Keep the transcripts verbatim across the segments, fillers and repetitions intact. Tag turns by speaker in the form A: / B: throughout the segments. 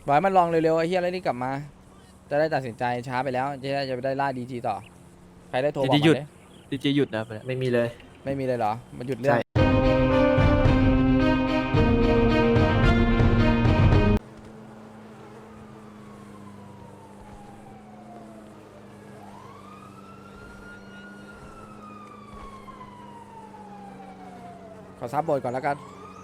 A: บอกให้มันลองเร็วๆไอ้เฮียอะไรนี่กลับมาจะได้ตัดสินใจช้าไปแล้วจะได้จะไปได้ล่าดีจีต่อใครได้โทร
B: ดี
A: บอก
B: จี
A: มา
B: หยุด
A: เลย
B: ดีจีหยุดนะไปแล้ว
C: ไม่มีเลย
A: ไม่มีเลยเหรอมันหยุดเรื่อ
C: ใช่
A: งขอซับบทก่อนแล้วกัน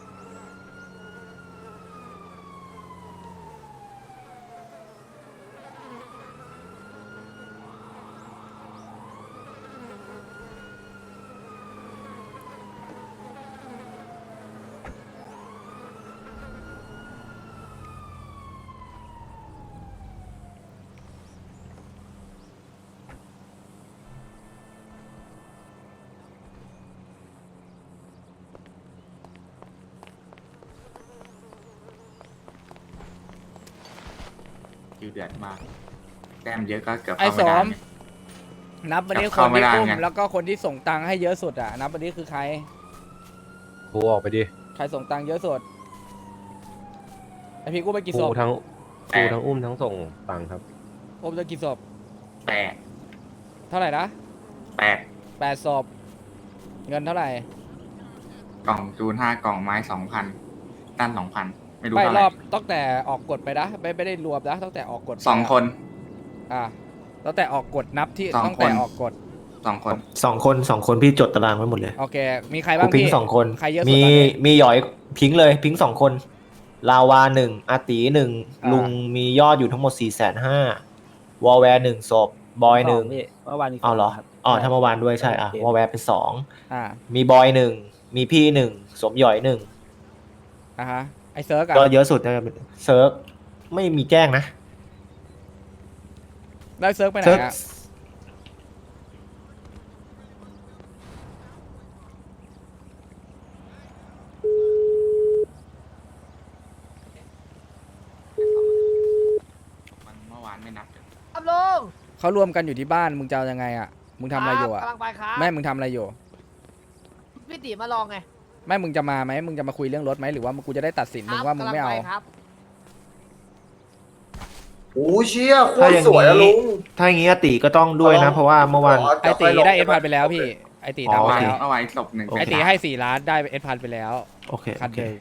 D: คิวเดือดมากแต้มเยอะก็เกือบ
A: ไอ้
D: เข้า
A: ส
D: ไม่ได้
A: ม
D: ไง
A: นับวันนี้
D: กลับ
A: ค
D: เข้าน ไม่
A: ที่
D: ได้
A: อุ้ม
D: ไง
A: แล้วก็คนที่ส่งตังค์ให้เยอะสุดอ่ะนับวันนี้คือใคร
E: ครูออกไปดิ
A: ใครส่งตังค์เยอะสุดไอพี่กูไป
E: ค
A: กี่
E: รู
A: ศพ
E: ทั้งครูทั้งอุ้มทั้งส่งตังค์ครับ
A: อุ้มจะกี่ศพ
D: แปด
A: เท่าไหร่นะ
D: แปด
A: แปดศพเงินเท่าไหร่
D: กล่องจูนห้ากล่องไม้สองพันตั้นสองพันไม่รู้
A: ไม่
D: เท่าร ไหร่
A: อบตั้งแต่ออกกฎไปนะไม่ไม่ได้รวมนะตั้งแต่ออกกฎไป
D: สองคน
A: อ่ะตั้งแต่ออกกฎนับที่
D: สอง
A: ตั้งแต่
D: คน
A: ออกกฎ
D: สองคน
C: สองคนสองคนพี่จดตารางไว้หมดเลย
A: โอเค มีใคร
C: กู
A: บ้าง
C: พิง
A: พี่
C: สองคน
A: ใครเยอะสุด
C: มี
A: ตอนนี้
C: มีหยอยพิงเลยพิงสองคน ลาวาหนึ่งอาตีหนึ่ง
A: อ่า
C: ลุงมียอดอยู่ทั้งหมดสี่แสนห้าวอลแวร์หนึ่งศพบอยหนึ่ง
F: พี่เมื่อวานมี
C: เอาเหรอ
F: ครับ
C: อ๋อถ้าเมื่อวานด้วยใช่อ่ะ
F: โอเค
C: วอลแวร์เป็นสอง
A: อ่า
C: มีบอยหนึ่งมีพี่หนึ่งสมหยอยหนึ่ง
A: อ่ะฮะไอเซิร์กอะ
C: ก็เยอะสุดนะเซิร์ฟไม่มีแจ้งนะ
A: ได้เซิร์กไปไหน
C: เซิร์ฟ
A: อะ
D: มันเมื่อวานไม่นับ
F: ครับลุง
A: เขารวมกันอยู่ที่บ้านมึงจะเอายังไงอะมึงทำอะไรอยู่อะ
F: กำลังไปครับ
A: แม่มึงทำอะไรอยู่
F: พี่ตีมาลองไง
A: แม่มึงจะมาไหมมึงจะมาคุยเรื่องรถไหมหรือว่ากูจะได้ตัดสินมึงว่ามึงไม่เอา
F: กำลัปครับ
G: โอ้เชี่ยโค
C: ถ้า
G: ต
C: อ
G: ร
C: ย่าง
G: สวยอะลุ
C: นี้
G: ง
C: ถ้าอย่างนี้อาติก็ต้องด้วยนะ เพราะว่าเมื่อวาน
A: ไอตีได้เอสพันไปแล้วพี่ไอตี
C: อ๋อ
A: ทำ
D: เมื่อ
A: ไป
D: วาน
A: แล้ว
D: เมื่อวานศพหนึ่ง
C: โอเค
A: ไอตีให้สี่ล้านได้เอสพันไปแล้ว
C: โอเค
A: คั
C: โอน เค
A: เดิม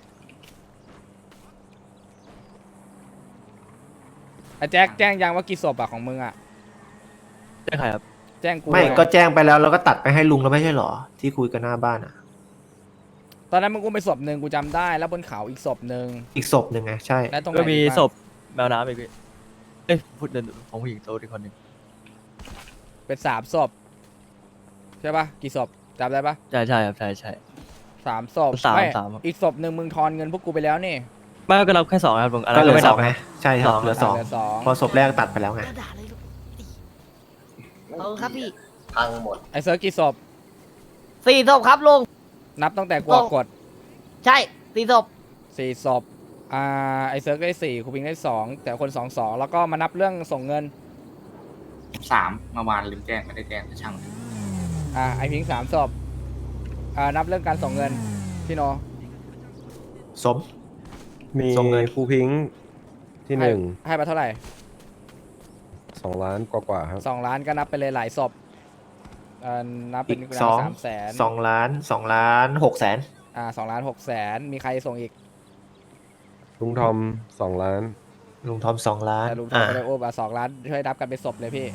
A: ไอแจ็คแจ้งยังว่ากี่ศพอะของมึงอะ
B: ใช่ใครครับ
A: แจ้งกู
C: ไม่
A: เลย
C: ก็แจ้งไปแล้วแล้วก็ตัดไปให้ลุงแล้วไม่ใช่เหรอ ที่คุยกันหน้าบ้านอ่ะ
A: ตอนนั้นมึงกูไปศพหนึ่งกูจำได้แล้วบนเขาอีกศพหนึ่ง
C: อีกศพหนึ่งไงใช่
A: และตรงไหน
B: ก็มี
A: อีบ้าง
B: ศพแมวน้ำอีกพี่เอ้ยพูดเดินของผู้หญิงโตอีกคนหนึ่ง
A: เป็นสามศพใช่ปะกี่ศพจำได้ปะ
B: ใช่ใช่ครับใช่ใช่
A: สามศพ
B: สาม
A: ไม่
B: สามครับ
A: อีกศพหนึ่งมึงทอนเงินพวกกูไปแล้วนี่
B: ไม่ก็รับแค่สองครับลุงอะไร
C: ก็เหลื
B: ก็
C: อ
B: ไม่
C: ส
B: นั
C: อบ งไงใช่ครับ
B: สอง
C: เหลือสอง
A: เหลือสอง
C: พอศพแรกตัดไปแล้วไง
F: ด่าเลยลูกเออครับพี่
G: พังหมด
A: ไอเซิร์กกี่ศพ
F: สี่ศพครับลุง
A: นับตั้งแต่กูออกกฎ
F: ใช่สี่ศพ
A: สี่ศพอ่าไอเซิร์กได้สี่ครูพิงได้สองแต่คนสองสองแล้วก็มานับเรื่องส่งเงิน
D: สามเมื่อวานลืมแจ้งไม่ได้แจ้งแต่ช่างมัน
A: อ่าไอพิงสามศพอ่านับเรื่องการส่งเงินพี่โน
C: สม
E: มี
C: ส่งเงิน
E: ครูพิงค์ที่หนึ่ง
A: ให้ให้ไปเท่าไหร่
E: สองล้านกว่าๆครับ
A: สองล้านก็นับไปเลยหลายศพเอ่อนับเป็
C: อี
A: น
C: กสอง
A: สามแสน
C: สองล้านสองล้านหกแสน
A: อ่าสองล้านหกแสนมีใครส่งอีก
E: ลุงทอมสองล้าน
C: ลุงทอมสองล้าน
A: แต่ลุงทอ
C: อ่า
A: มไม่ได้โอ้บอ่ะสองล้านช่วยนับกันเป็นศพเลยพี่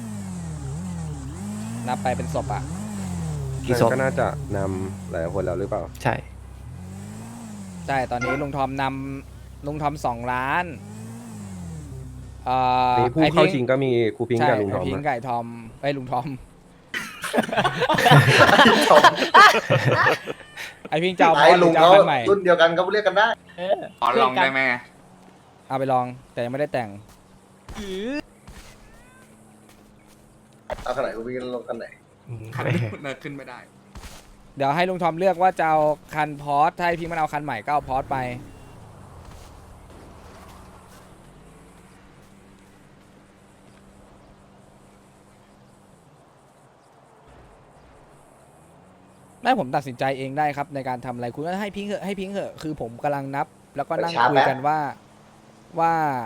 A: นับไปเป็นศพอ่ะ
C: กี่ศพ
E: ก็น่าจะนำหลายคนแล้วหรือเปล่า
C: ใช่
A: ใช่ตอนนี้ลุงทอมนำลุงทอมสองล้านเอ่อ
E: มีผู้
A: ไอ
E: เข้า
A: พิ
E: ชิงก็มีครูพิงค์
A: ใช่
E: กับลุงท
A: ไอ
E: อม
A: พิง
E: นะ
A: ไก่ทอมไอยลุงทอม ไอพิงเจ้าบอ
G: ไอ้
A: สหรื
G: ลุ
A: อง เจ้า
G: เขา
A: คันใหม่
G: รุ่นเดียวกันเขาเรียกกันได้
D: ขอลองได้ไหม
A: เอาไปลองแต่ยังไม่ได้แต่ง
G: เอาขนาดกูวิ่งลงกันไหน
C: อืม
D: คันเนิร์ขึ้นไม่ได้
A: เดี๋ยวให้ลุงทอมเลือกว่าจะเอาคันพอร์ตถ้าให้พิงมันเอาคันใหม่ก็เอาพอร์ตไป ไม่ผมตัดสินใจเองได้ครับในการทำอะไรคุณก็ให้พิงค์เหอะให้พิงค์เหอะคือผมกำลังนับ แล้วก็นั่งคุยกันว่าว่า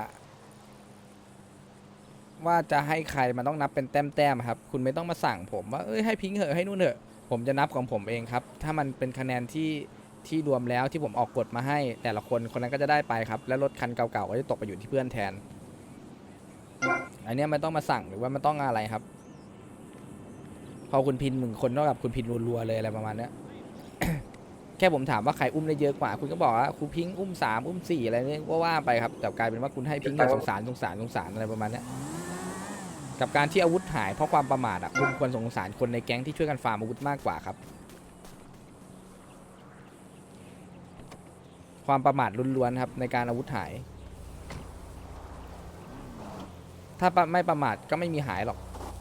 A: ว่าจะให้ใครมันต้องนับเป็นแต้มๆครับ คุณไม่ต้องมาสั่งผมว่าเอ้ยให้พิงค์เหอะให้นู่นเหอะผมจะนับของผมเองครับ ถ้ามันเป็นคะแนนที่ที่รวมแล้วที่ผมออกกฎมาให้ แต่ละคนคนนั้นก็จะได้ไปครับ แล้วรถคันเก่าๆก็จะตกไปอยู่ที่เพื่อนแทน อันเนี้ยมันต้องมาสั่งหรือว่ามันต้องอะไรครับ พอคุณพินหนึ่งคนเท่ากับคุณพินรัวๆเลยอะไรประมาณเนี้ย แค่ผมถามว่าใครอุ้มได้เยอะกว่า คุณก็บอกว่าครูพิงค์อุ้มสามอุ้มสี่อะไรเนี่ยว่าว่าไปครับแต่กลายเป็นว่าคุณให้พิงค์แบบสงสารสงสารสงสารอะไรประมาณเนี้ยกับการที่อาวุธหายเพราะความประมาทอ่ะคุณควรสงสารคนในแก๊งที่ช่วยกันฟาร์มอาวุธมากกว่าครับ ความประมาทล้วนๆครับในการอาวุธหาย ถ้าไม่ประมาทก็ไม่มีหายหรอก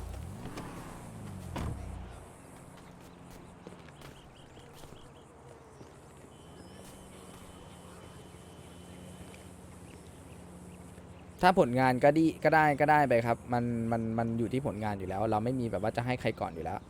A: ถ้าผลงานก็ดีก็ได้ก็ได้ไปครับ มันมันมันอยู่ที่ผลงานอยู่แล้ว เราไม่มีแบบว่าจะให้ใครก่อนอยู่แล้ว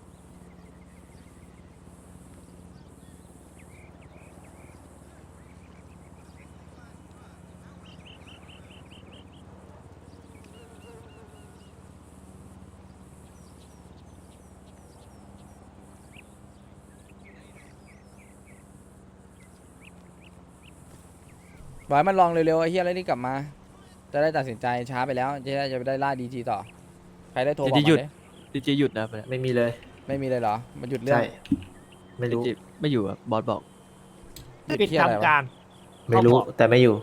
A: บอกให้มันลองเร็วๆไอ้เฮียอะไรนี่กลับมา จะได้ตัดสินใจช้าไปแล้วจะได้จะไปได้ล่าดีจีต่อ ใครได้โทรบอก
B: ดี
A: มา
B: หยุด
A: ดิ
B: ดีเจหยุดนะครับเนี่ย
C: ไม่มีเลย
A: ไม่มีเลยเหรอ มันหยุดเรื่อ
C: ใช่
A: ง
C: ไม่
B: ดี
C: รู้
B: เจไม่อยู่อะบอสบอก
A: หยุด
F: ปิด
A: เหี้ยอะไรวะ
F: ทำการ
C: ไม่รู้
F: เขาบอก
C: แต่ไม่อยู่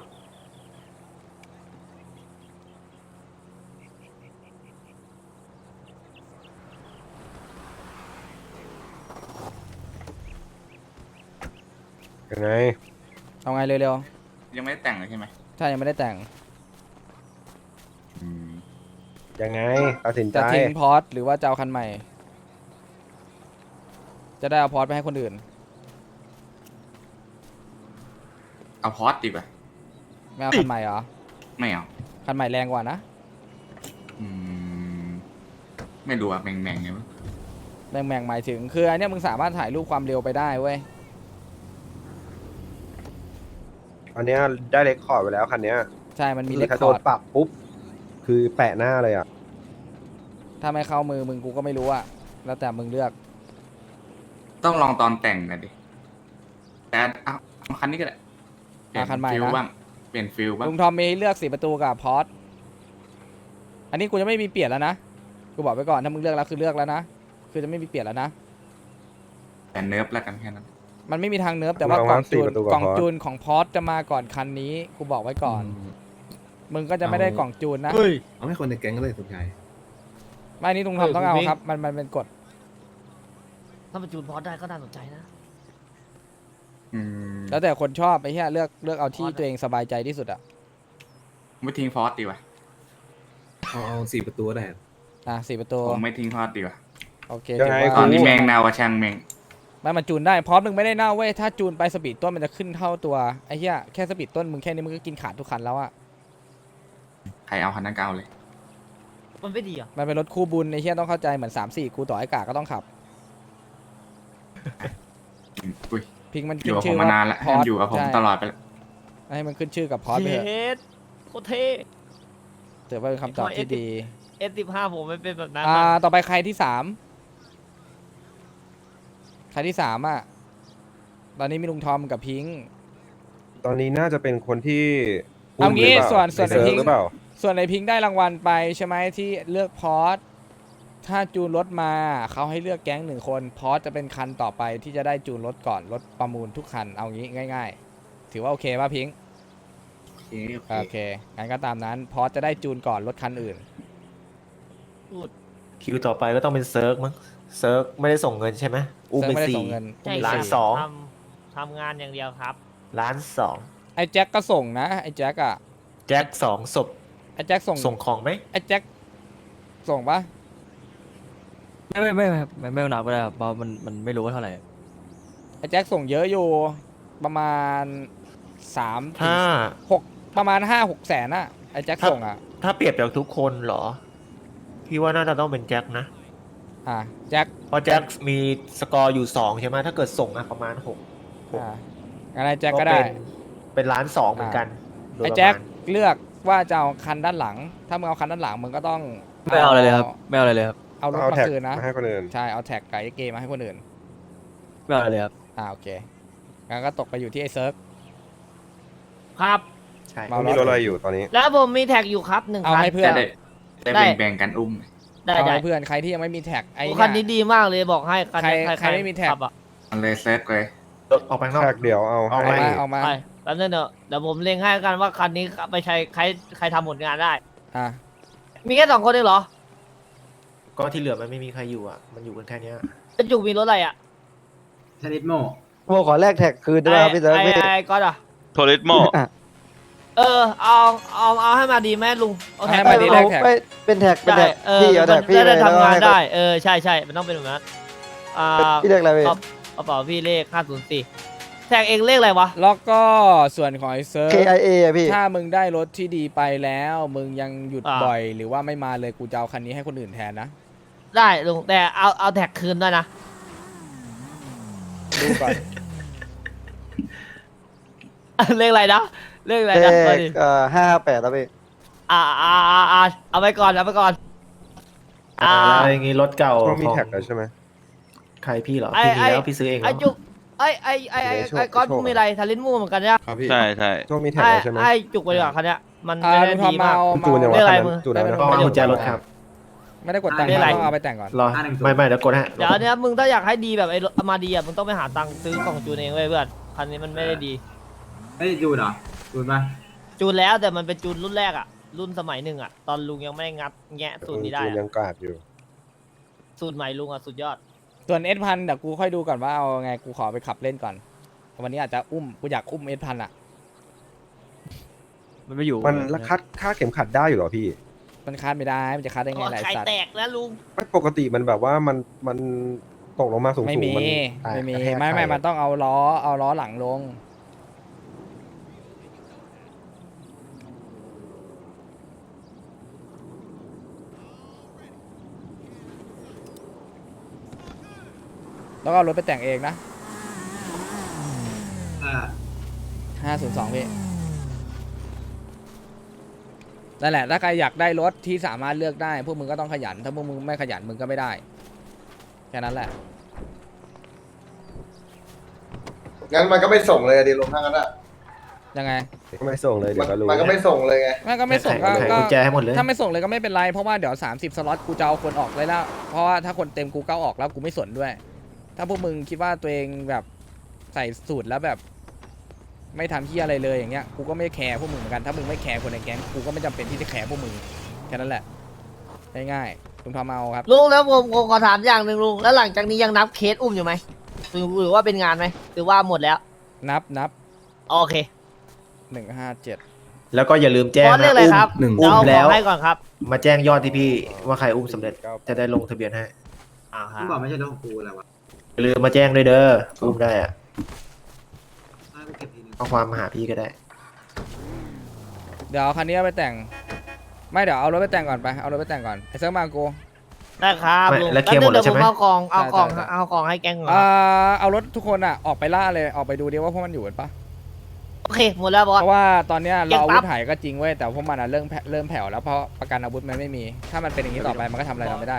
E: ยังไง
A: เอาไงเร็ว
D: ยังไม่ได้แต่งเลยใช่ไหม
A: ๆถ้ายังไม่ได้แต่ง
D: อืม
E: ยังไงตัดสินใจ
A: จะทิ้งพอร์ตหรือว่าจะเอาคันใหม่ จะได้เอาพอร์ตไปให้คนอื่น
D: เอาพอสดีกว่า
A: ไม่เอาคันใหม่เหรอ
D: ไม่เอา
A: คันใหม่แรงกว่านะ
D: อืม ไม่รู้อะแม่งๆไงมั้ง
A: แม่งแม่งหมายถึงคืออันเนี้ยมึงสามารถถ่ายรูปความเร็วไปได้เว้ย
E: อันเนี้ยได้เรคคอร์ดไปแล้วคันเนี้ย
A: ใช่ มันมี
E: คื
A: เล
E: อ
A: ค
E: ถ้า
A: ค
E: โด
A: อน ร์ด
E: ปรับปุ๊บ คือแปะหน้าเลยอ่ะ
A: ถ้าไม่เข้ามือมึงกูก็ไม่รู้อะแล้วแต่มึงเลือก
D: ต้องลองตอนแต่งหน่อยดิ แต่เอาเอาคันนี้ก็ได้เปลี่ย
A: เอาคันใหม่
D: ฟิล
A: นะ
D: บ้าง เปลี่ยนฟิลบ้าง
A: ลุงทอมมีให้เลือกสี่ประตูกับพอร์ตอันนี้กูจะไม่มีเปลี่ยนแล้วนะ กูบอกไปก่อนถ้ามึงเลือกแล้วคือเลือกแล้วนะ คือจะไม่มีเปลี่ยนแล้วนะ
D: แต่เนิร์ฟแล้วกันแค่นั้น
A: มันไม่มีทางเนิร์ฟแต่ว่า
E: ลอง
A: กล่
E: ว่า
A: อง
E: สี่
A: จูน
E: ประตูกับ
A: กล่อง
E: พอร์ต
A: จูนของพอร์ตจะมาก่อนคันนี้ กูบอกไว้ก่อน มึงก็จะไม่ได้กล่องจูนนะ
B: เฮ้ย
G: เอาให้คนในแก๊งก็เลยสนใจ
A: ไม่นี่ลุงทอมต้องเอาครับ มันมันเป็นกฎ
F: ถ้ามันจูนพอได้ก็น่าสนใจนะ
D: อืม
A: แล้วแต่คนชอบไอ้เหี้ยเลือกเลือกเอาที่
F: พอร์ตอะ
A: ตัวเองสบายใจที่สุดอะ
D: ไม่ทิ้งพอสดีกว่า
G: เอาเอาสี่ประตูก็ได้
A: อ่ะสี่ประตู
D: ผมไม่ทิ้งพอสดีกว่า
A: โอเค
E: ยังไง
A: ถือ
D: ตอ
A: ว่าน
D: นี้แมงนาวกับช่างแมง
A: ไม่มันจูนได้พอร์ตมึงไม่ได้เน่าเว้ยถ้าจูนไปสปีดต้นมันจะขึ้นเท่าตัวไอ้เหี้ยแค่สปีดต้นมึงแค่นี้มึงก็กินขาดทุกคันแล้วอะ
D: ใครเอาคันนั้นก็เอาเลย
F: มันไม่ดีอ่ะ
A: มันเป็นรถคู่บุญไอ้เหี้ยต้องเข้าใจเหมือนสามสี่กูต่อไอ้กาก็ต้องขับ
D: อืมอุ้ย
A: พิงมัน
D: อ
A: ขึ้
D: ยู่
A: น
D: กับผ
A: ชื่
D: ม
A: อ
D: มา
A: ว่
D: นานแล้ว
A: พอร์ต
D: อยู่กับผม
A: ใช่
D: ตลอดไปแล้ว
A: ให้มันขึ้นชื่อกับพอร์ตไปเถอะ
F: เย็ดโคตรเท่
A: ถือว่าเป็นคำตอบที่ดี
F: เอสสิบห้าผมไม่เป็นแบบนั้น
A: อ่า
F: นะ
A: ต่อไปใครที่สามใครที่สามอ่ะตอนนี้มีลุงทอมกับพิงค์
E: ตอนนี้น่าจะเป็นคนที่
A: เอางี้
E: หรืปล่
A: ส่วนส่วน
E: ในเซิร์ฟ
A: พิงค์
E: หรือเปล่า
A: ส่วนไอพิงค์ได้รางวัลไปใช่ไหมที่เลือกพอร์ตถ้าจูนรถมาเขาให้เลือกแก๊งหนึ่งคนพอร์ตจะเป็นคันต่อไปที่จะได้จูนรถก่อนรถประมูลทุกคันเอางี้ง่าย ๆ ถือว่าโอเคป่ะพิงค์
D: โอเคโอเค
A: โอเคงั้นก็ตามนั้นพอร์ตจะได้จูนก่อนรถคันอื่น
C: คิวต่อไปก็ต้องเป็นเซิร์กมั้ง เซิร์กไม่ได้ส่งเงินใช่ไหมอุ้ม
A: เซิร์ฟ
C: ไป
A: ไม่ได้
C: สี่
A: ส่งเงิน
F: ใช่
C: ล้าน
F: ครับ
C: สอง
F: ทำทำงานอย่างเดียวครับ
C: ล้านสอง
A: ไอ้แจ็คก็ส่งนะไอ้แจ็คอะ
C: แจ็คสองศพ
A: ไอ้แจ็คส่ง
C: ส่งของไหม
A: ไอ้แจ็คส่งปะ
B: ไม่ไม่ไม่ไม่ไม่ไม่นับก็ได้ครับเพราะมันมันไม่รู้ว่าเท่าไหร่
A: ไอ้แจ็คส่งเยอะอยู่ประมาณสามถึง
C: ถ้า
A: หกประมาณห้าหกแสนอะไอ้แจ็คส่งอะ
C: ถ้าเปรียบจากทุกคนเหรอ พี่ว่าน่าจะต้องเป็นแจ็คนะ
A: อ่ะแจ็ค
C: เพราะแจ็คมีสกอร์อยู่สองใช่ไหมถ้าเกิดส่งอะประมาณหก
A: อ่ะงั้นไอ้แจ็คก็ได้
C: เป็นเป็นล้านสองเหมือนกันโดย
A: ไอ้
C: ประ
A: แจ็ค
C: มาณ
A: เลือกว่าจะเอาคันด้านหลัง ถ้ามึงเอาคันด้านหลังมึงก็ต้อง
B: ไม่เอาอะไรเลยครับไม่เอาอะไรเลยครับ
A: เอารถ
E: เอา
A: มา
E: แท็ก
A: คืนนะ
E: มาให้คนอื่น
A: ใช่เอาแท็กไก่เกมมาให้คนอื่น
B: ไม่เอาอะไรเลยครับ
A: อ่าโอเคงั้นก็ตกไปอยู่ที่ไอ้เซิร์ฟ
F: ครับ
C: ใช่
A: เมา
E: มีรถอะไรอยู่ตอนนี้
F: แล้วผมมีแท็กอยู่ครับหนึ่ง
A: เอา
F: คัน
A: ให้เพื่อน
D: จะได้
F: ได้
D: ได้แบ่งๆกันอุ้ม
F: ได้
A: เอา
F: ได้
A: ให้เพื่อนใครที่ยังไม่มีแท็กไอ้
F: โอ้
A: เย
F: คันนี้ดีมากเลยบอกให้คันนี้
A: ใครใครไม่มีแท็ก
F: ขับอะ
D: มันเลยเซิร์ฟเลย
C: รถออกไปข้างนอก
E: แท็กเดี๋ยวเอา
C: เอา
E: ให้
C: ไว้
A: เอามาเอามา
F: ไปแป๊บนึงเดี๋ยวเดี๋ยวผมเล็งให้กันว่าคันนี้ไปใช้ใครใครทำผลงานได้
A: อ่ะ
F: มีแค่สองคนเองเหรอ
C: ก็ที่เหลือมันไม่มีใครอยู่อ่ะ มันอยู่กันแค่เนี้ย
F: เป็นจุกมีรถอะไรอ่ะ
H: ชนิดโม
I: โมขอแลกแท็กคืนได้ไหมครับพี่เซิร์ฟ
F: ไอ้
I: พี่
F: ไอ้ไอ้ก๊อตอ่ะ
J: โทริสโม
F: เออเอาเอาเอาให้มาดีไหมลุงเอาแท็ก
A: ให้มาดีแลกแท็ก
I: ไม่เป็นแท็กเป็น
F: ได้
I: แท็ก
F: เออ
I: พี่เอาแท็กพี่
F: จะได้
I: เลยแล้ว
F: ทำงาน
I: ให้
F: ได้เออใช่ใช่มันต้องเป็นแบบนั้นอ่า
I: พี่เรียกอะไรพี่
F: กระกระเป๋าพี่เลขห้าศูนย์สี่แท็กเองเลขอะไรวะ
A: แล้วก็ส่วนของไอ้เซิร์ฟ
I: K I A อะพี่
A: ถ้ามึงได้รถที่ดีไปแล้ว มึงยังหยุด
F: อ่า
A: บ่อย หรือว่าไม่มาเลยกูจะเอาคันนี้ให้คนอื่นแทนนะ
F: ได้ลุงแต่เอาเอาแท็กคืนด้วยนะ
A: ดูก่อน
F: เลขอะไรนะเลขอะไร
I: เล
F: นะ
I: ข
F: เอาดิ
I: เอ่อห้าแปดแล้วพี่
F: อ่าอ่าอ่าอ่าเอาไปก่อนเอาไปก่อนอ่า
C: อะไรอย่างงี้รถเก่า
E: ต้องมี
C: ของ
E: แท็กแล้วใช่ไหม
C: ใครพี่เหรอ
F: ไอ้
C: พี่มี
F: ไอ้
C: แล้วพี่ซื้อเองเหร
F: ไอ้
C: อ
F: จุกไอ้ไอ้ไอ้ไอ้
E: เดี๋ยวโชค
F: ไอ้ก๊อต
E: โชค
F: มึงมีอะไรทารินมูเหมือนกันเนี่ย
E: ครับพี่
J: ใช่ใช่
E: ต้องมีแท็ก
F: ไอ้
E: แล้วใช่ไหม
F: ไอ้จุกไปดีกว่าคันเนี้ยมัน
A: อ่า
F: ไม่ได้
A: ลุงทอ
F: ดี
A: ม
F: มาก
A: เมา
E: จูนยัง
A: เมา
E: วะ
F: เรียกอะไร
E: คัน
F: มึง
E: นั้นจูนแล้วนะ
C: ต้องเอากุญแจรถครับ
A: ไม่ได้กดตังค์
F: เรียกอะไร
A: ต้องเอาไปแต่งก่อน
C: รอ ไม่ไม่เดี๋ยวกดให้
F: เดี๋ยวอันเนี้ยมึงถ้าอยากให้ดีแบบไอ้รถมาดีอ่ะมึงต้องไปหาตังค์ซื้อกล่องจูนเองเว้ยเพื่อนคันนี้มันไม่ได้ดี
H: เฮ้ยจูนเหรอจูนปะ
F: จูนแล้วแต่มันเป็นจูนรุ่นแรกอ่ะรุ่นสมัยหนึ่งอ่ะตอนลุงยังไม่งัดแงะสูตรนี้ได้
E: จูน
F: อะ
E: ยังกากอยู่
F: สูตรใหม่ลุงอ่ะสุดยอด
A: ส่วนเอสพันเดี๋ยวกูค่อยดูก่อนว่าเอาไงกูขอไปขับเล่นก่อนวันนี้อาจจะอุ้มกูอยากอุ้มเอสพันอ่ะ
B: มันไม่อยู่
E: มันละคัดค่าเข็มขัดได้อยู่เหรอพี่
A: มันคาดไม่ได้มันจะคาดได้ไง
F: โอ้
A: หลาย
F: ไข่
A: สัตว์
F: แตกแล้วลุง
E: ไม่ปกติมันแบบว่ามันมันตกลงมาสูงๆ
A: ไม่มี
E: นแตก
A: ไม่มี
E: กระแทก
A: ไม่ไม่
E: ใส่
A: มันต้องเอาล้อเอาล้อหลังลงแล้วก็เอารถไปแต่งเองนะ
H: อ่า
A: ห้าศูนย์สองพี่นั่นแหละถ้าใครอยากได้รถที่สามารถเลือกได้พวกมึงก็ต้องขยัน ถ้าพวกมึงไม่ขยันมึงก็ไม่ได้แค่นั้นแหละ
G: งั้นมันก็ไม่ส่งเลยอะดีลงทางนั้นอ่ะ
A: ยังไง
E: ก็ไม่ส่งเลยเดี๋
G: มั
E: ยวก็รู้
G: มันก็ไม่ส่งเลยไง
A: ไม่ก็ไม่ส่งก็
C: ไข
A: ก็
C: กุญแจให้หมดเลย
A: ถ้าไม่ส่งเลยก็ไม่เป็นไรเพราะว่าเดี๋ยวสามสิบสล็อตกูจะเอาคนออกเลยแล้วเพราะว่าถ้าคนเต็มกูเก้าออกแล้วกูไม่สนด้วย ถ้าพวกมึงคิดว่าตัวเองแบบใส่สูตรแล้วแบบ ไม่ทำที่อะไรเลยอย่างเงี้ยกูก็ไม่แคร์พวกมึงเหมือนกันถ้ามึงไม่แคร์คนในแก๊งกูก็ไม่จำเป็นที่จะแคร์พวกมึงแค่นั้นแหละง่ายๆลุงทอมเอาครับ
F: ลุงแล้วผมผมขอถามอย่างหนึ่งลุงแล้วหลังจากนี้ยังนับเคสอุ้มอยู่ไหมหรือหรือว่าเป็นงานไหมหรือว่าหมดแล้ว
A: นับนับ
F: โอเค
A: หนึ่งห้าเจ็ด
C: แล้วก็อย่าลืมแจ้ง
F: บอสเรียกอะไรครับ
C: หนึ่ง
F: เดี๋ยว
C: อุ้ม
F: เอาข
C: แล้
F: อ
C: ว
F: งให้ก่อนครับ
C: มาแจ้งยอดที่พี่ว่าใครอุ้มสำเร็จ จะได้ลงทะเบียนให้
F: อ่าครั
H: กู
F: บ
H: บอกไม่ใช่รถของกูอะไรวะ
C: อย่าลืมมาแจ้งด้วยเด้ออุ้มได้อะ
H: ให้กูเก็บทีนึง
C: ข้อความมาหาพี่ก็ได้
A: เดี๋ยวเอาคันนี้เอาไปแต่ง ไม่เดี๋ยวเอารถไปแต่งก่อนไปเอารถไปแต่งก่อนไอ้เซิร์ฟมากู
F: ได้ครับ
C: ไม่
F: ลุง
C: แล้วเคลียร์หมดแล้ว
F: เดี๋ยว
C: ใช่ไหม
F: ผมเอาของเอาของ
A: ใช่ใช่
F: เอาของให้แก๊งก่อน
A: อ่าเอารถทุกคนอ่ะออกไปล่าเลยออกไปดูดิว่าพวกมันอยู่กันปะ
F: โอเคหมดแล้วบอส
A: เพราะว่าตอนเนี้ย
F: เก็
A: เรา
F: บ
A: อา
F: ปั๊
A: วุ
F: บ
A: ธหายก็จริงเว้ยแต่พวกมันอ่ะเริ่มแผ่เริ่มแผ่วแล้วเพราะประกันอาวุธมันไม่มี ถ้ามันเป็นอย่างนี้ต่อไปมันก็ทำอะไรเราไม่ได้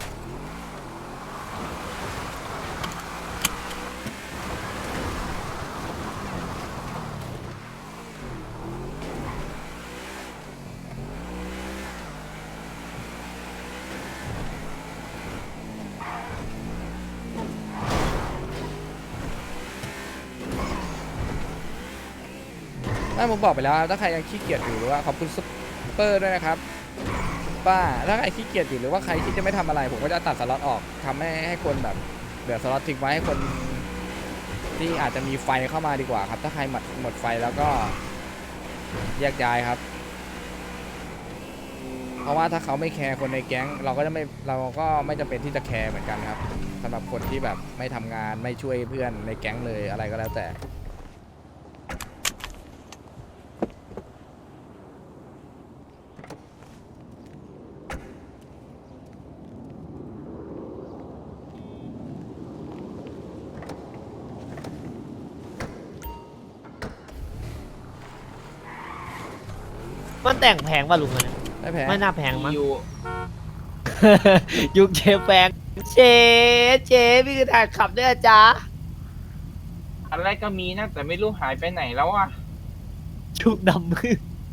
A: ไม่ผมบอกไปแล้วถ้าใครยังขี้เกียจอยู่หรือว่าขอบคุณซุปเปอร์ด้วยนะครับป้าถ้าใครขี้เกียจอยู่หรือว่าใครที่จะไม่ทำอะไร ผมก็จะตัดสล็อตออกทำให้ให้คนแบบเหลือสล็อตทิ้งไว้ให้คนที่อาจจะมีไฟเข้ามาดีกว่าครับ ถ้าใครหมดหมดไฟแล้วก็แยกย้ายครับ เพราะว่าถ้าเขาไม่แคร์คนในแก๊ง เราก็จะไม่เราก็ไม่จำเป็นที่จะแคร์เหมือนกันครับสำหรับคนที่แบบไม่ทำงานไม่ช่วยเพื่อนในแก๊งเลยอะไรก็แล้วแต่
F: ไปมันแต่งแพงป่ะลุงอันเนี้ย
A: ไม่แพง
F: ไม่น่าแพงมั้ง ยุคเชฟแพงเชฟเชฟพี่คือถ่ายขับด้วยอะจ๊ะ
J: อะไรก็มีนะแต่ไม่รู้หายไปไหนแล้วอ่ะ
F: ชุกดำมือ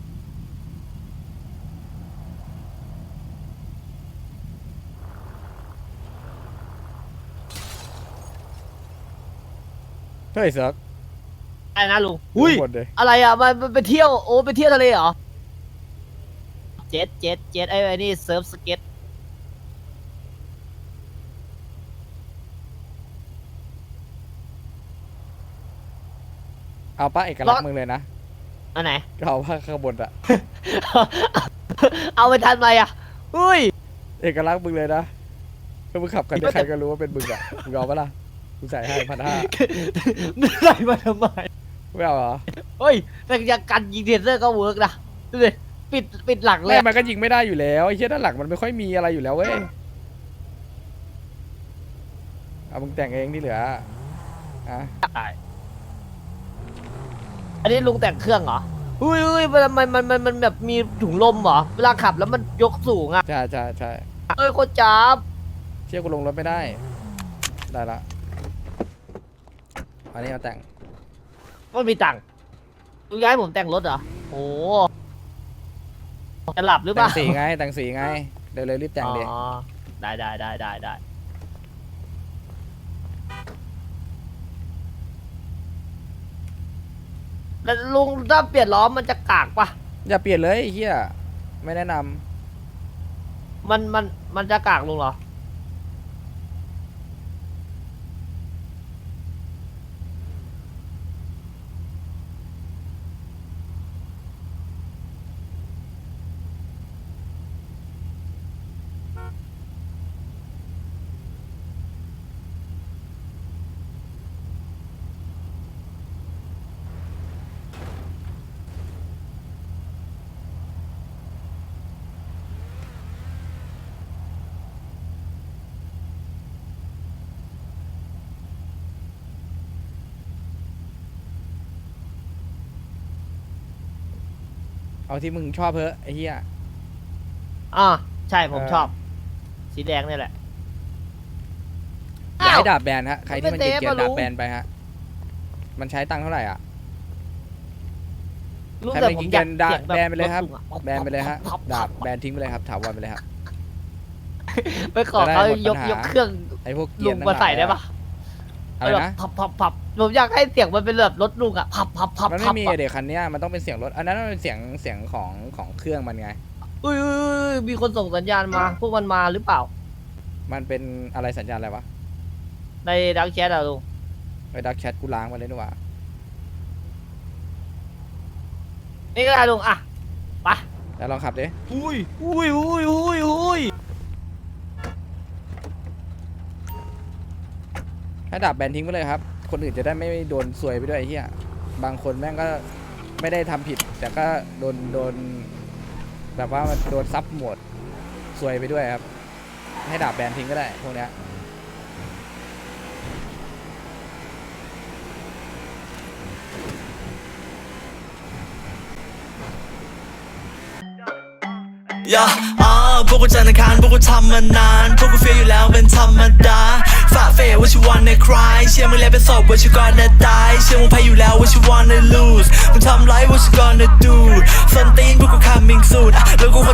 A: เฮ้ยเซิร์ก
F: อะไรนะลุงอุ้ย
A: หมดเลย
F: อะไรอ่ะมันมันไปเที่ยวโอ้ไปเที่ยวทะเลเหรอเจ็ตเจ็ตเจ็ตไอ้ไอ้นี่เซิร์ฟสเก็ต
A: เอาป้าเอกลักษณ์มึงเลยนะ
F: อันไหน
A: ก็เอาผ้าข้างบนอะ
F: เอาไปทันไหมอ่ะอุ้ย
A: เอกลักษณ์มึงเลยนะถ้ามึงขับกันใครก็รู้ว่าเป็นมึงอะมึงเอาปะล่ะกูใส่ให้พันห้า
F: ไม่ได้มาทำไม
A: ไม่เอาเหรอ
F: เฮ้ยแต่ยังกันยิงเทเซอร์ก็เวิร์กนะดูดิปิดปิดหลังเล
A: ไม่
F: ย
A: มันก็ยิงไม่ได้อยู่แล้วไอ้เชี่ยด้านหลังมันไม่ค่อยมีอะไรอยู่แล้วเว้ยเอามึงแต่งเองที่เหลืออะ
F: อันนี้ลุงแต่งเครื่องเหรออุ้ยอุ้ยมันมันมันมันมันแบบมีถุงลมเหรอเวลาขับแล้วมันยกสูงอ่ะ
A: ใช่ใช่ใช่
F: เอ้ยโคตรจับ
A: เชี่ยกูลงรถไม่ได้ได้ละอันนี้เอาแต่ง
F: มันมีตังค์ลุงย้ายผมแต่งรถเหรอโอ้จะหลับหรือเป
A: แต่
F: ล่าง
A: สีไงแต่งสีไงเร็วๆรีบแต่งดิ
F: อ๋อได้ได้ได้ได้ได้แล้วลุงถ้าเปลี่ยนล้อมันจะกากปะ
A: อย่าเปลี่ยนเลยไอ้เฮียไม่แนะนำ
F: มันมันมันจะกากลุงเหรอ
A: เอาที่มึงชอบเพอะไอ้เฮีย
F: อ่าใช่ผม
A: เออ
F: ชอบ สีแดงนี่แหละ
A: อย่าให้
F: อ้าว
A: ดาบแบนฮะใครที่มัน
F: ไม่
A: เก
F: เซฟ
A: ลียด
F: อะ
A: ๆ
F: ลุ
A: ดาง บแบนไปฮะมันใช้ตังค์เท่าไหร่อ่ะ
F: ลุง
A: ใคร
F: แต่
A: ไม่
F: ผม
A: กิน
F: อยาก
A: เงินดา
F: เสียงแบบ
A: แบนไปเลยครับ
F: ถลุงอะ
A: แบนไปเลยฮะดาบแบนทิ้งไปเลยครับถาวรไปเลยครับ
F: ไปขอเขา
A: จะได้หมด
F: ยก
A: ปัญหาย
F: กเครื่อง
A: ไอ้พวกเกลี
F: ลุ
A: ยด
F: ง
A: ทั้ง
F: มา
A: หลาย
F: ใส่ได้ปะ
A: อะไร
F: แบบ
A: นะ
F: พับพับพับผมอยากให้เสียงมันเป็นแบบรถลุงอะพับพับพับ
A: มัน
F: พั
A: ไม่
F: บ
A: มี
F: อะ
A: เด็กคันเนี้ยมันต้องเป็นเสียงรถอันนั้นมันเป็นเสียงเสียงของของเครื่องมันไง
F: อุ้ยอุ้ยอุ้ยมีคนส่งสัญญาณมา พวกมันมาหรือเปล่า
A: มันเป็นอะไรสัญญาณอะไรวะ
F: ในดักแชทอะลุง
A: ไอ้ดักแชทกูล้างมาเลยนี่หว่า
F: นี่ก็ได้ลุงอะไป
A: แล้วลองขับดิ
F: อุ้ยอุ้ยอุ้ยอุ้ยอุ้ย
A: ให้ดาบแบนทิ้งไปเลยครับคนอื่นจะได้ไม่โดนซวยไปด้วยไอ้เหี้ยบางคนแม่งก็ไม่ได้ทำผิด แต่ก็โดนโดนแบบว่ามันโดนซับหมดซวยไปด้วยครับให้ดาบแบนทิ้งก็ได้พวกเนี้ย
K: ย่าอ่าพวกกูจันทร์อังคารพวกกูทำมานานพวกกูเฟียอยู่แล้วเป็นธรรมดาฝ่าเฟย what you wanna cry เชื่อมึงแล้วเป็นศพ what you gonna die เชื่อมึงแพ้อยู่แล้ว what you wanna lose มึงทำไร what you gonna do ส้นตีนพวกกู coming soon อ่ะแล้วกู